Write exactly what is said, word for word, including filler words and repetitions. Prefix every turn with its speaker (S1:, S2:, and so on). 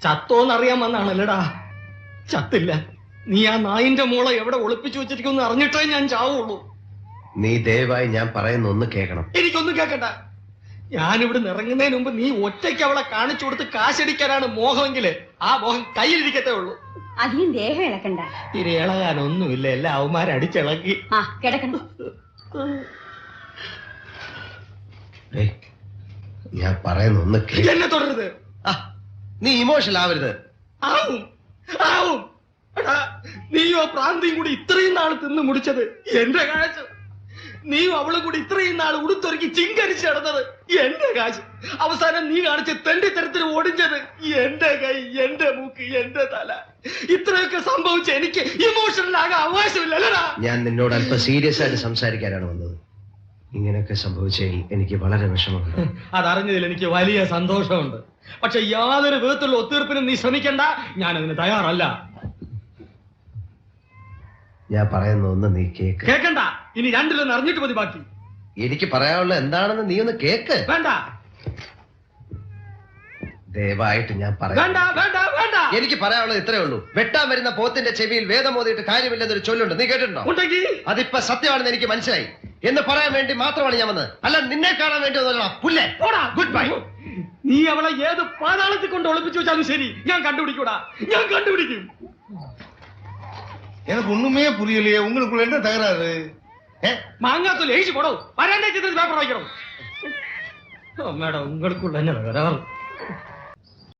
S1: ചത്തോന്നറിയാൻ വന്നാണല്ലടാ. ചത്തില്ല. നീ ആ നായിന്റെ മോളെ എവിടെ ഒളിപ്പിച്ചു വെച്ചിരിക്കുമെന്ന് അറിഞ്ഞിട്ടേ ഞാൻ ചാവുള്ളൂ.
S2: നീ ദയവായി ഞാൻ പറയുന്ന ഒന്ന് കേൾക്കണം.
S1: എനിക്കൊന്നും കേൾക്കണ്ട. ഞാനിവിടെ ഇറങ്ങുന്നതിന് മുമ്പ് നീ ഒറ്റയ്ക്ക് അവളെ കാണിച്ചു കൊടുത്ത് കാശടിക്കാനാണ് മോഹമെങ്കില് ആ മോഹം കയ്യിലിരിക്കത്തേ ഉള്ളൂ.
S3: അധികം ദേഹം ഇളക്കണ്ട.
S1: ഇരി ഇളകാനൊന്നുമില്ല, എല്ലാ അവന്മാരെ അടിച്ചിളക്കി.
S3: ആ കിടക്കണ്ട.
S2: ഞാൻ പറയുന്ന ഒന്ന് കേൾക്ക്.
S1: എന്നെ തുടരുത്.
S2: നീ ഇമോഷണൽ ആവരുത്.
S1: ആവും ആവും. എടാ, നീയോ പ്രാന്തിയും കൂടി ഇത്രയും നാൾ തിന്ന് മുടിച്ചത് എന്റെ കാശ്. നീയും അവളും കൂടി ഇത്രയും നാൾ ഉടുത്തൊരുക്കി ചിങ്കരിച്ച് നടന്നത് എന്റെ കാശ്. അവസാനം നീ കാണിച്ച് തെണ്ടിത്തരത്തിന് ഓടിച്ചത് എന്റെ കൈ, എന്റെ മൂക്ക്, എന്റെ തല. ഇത്രയൊക്കെ സംഭവിച്ച എനിക്ക് ഇമോഷണൽ ആകാൻ അവകാശമില്ലല്ലടാ.
S2: ഞാൻ നിന്നോട് അല്പം സീരിയസ് ആയിട്ട് സംസാരിക്കാനാണ് വന്നത്. ഇങ്ങനെയൊക്കെ സംഭവിച്ചതിൽ എനിക്ക് വളരെ വിഷമമുണ്ട്.
S1: അതറിഞ്ഞതിൽ എനിക്ക് വലിയ സന്തോഷമുണ്ട്. പക്ഷെ യാതൊരു വിധത്തിലുള്ള ഒത്തീർപ്പിനും നീ ശ്രമിക്കണ്ട. ഞാൻ അതിന് തയ്യാറല്ല.
S2: ഞാൻ പറയുന്ന ഒന്ന് നീ കേക്ക്.
S1: കേക്കണ്ട. ഇനി രണ്ടിലൊന്ന് അറിഞ്ഞിട്ട് മതി ബാക്കി.
S2: എനിക്ക് പറയാനുള്ള എന്താണെന്ന് നീ ഒന്ന് കേക്ക്.
S1: വേണ്ട
S2: ദയവായിട്ട് ഞാൻ പറയാം.
S1: വേണ്ട വേണ്ട വേണ്ട.
S2: എനിക്ക് പറയാനുള്ളത് ഇത്രേ ഉള്ളൂ. വെട്ടാൻ വരുന്ന പോത്തിന്റെ ചെവിയിൽ വേദം ഓതിയിട്ട് കാര്യമില്ലെന്നൊരു ചൊല്ലുണ്ട്. നീ കേട്ടിട്ടുണ്ടോ?
S1: ഉണ്ടെങ്കിൽ
S2: അതിപ്പോ സത്യമാണെന്ന് എനിക്ക് മനസ്സിലായി. എന്ന് പറയാൻ വേണ്ടി മാത്രമാണ് ഞാൻ വന്നത്, അല്ല നിന്നെ കാണാൻ വേണ്ടി വന്നല്ലോ. പുല്ലേ, ഗുഡ് ബൈ.
S1: നീ അവളെ ഏത് പാതാളത്തിൽ കൊണ്ട് ഒളിപ്പിച്ചു വെച്ചാലും ശരി, ഞാൻ കണ്ടുപിടിക്കൂടാ. ഞാൻ കണ്ടുപിടിക്കും.
S4: எனக்கு ஒண்ணுமே புரியலையே. உங்களுக்குள்ள என்ன தகராறு?
S1: மாங்காத்தூள் எழுச்சி போடும். வராண்டே பேப்பர் வைக்கிறோம். மேடம், உங்களுக்குள்ள என்ன தகராறு?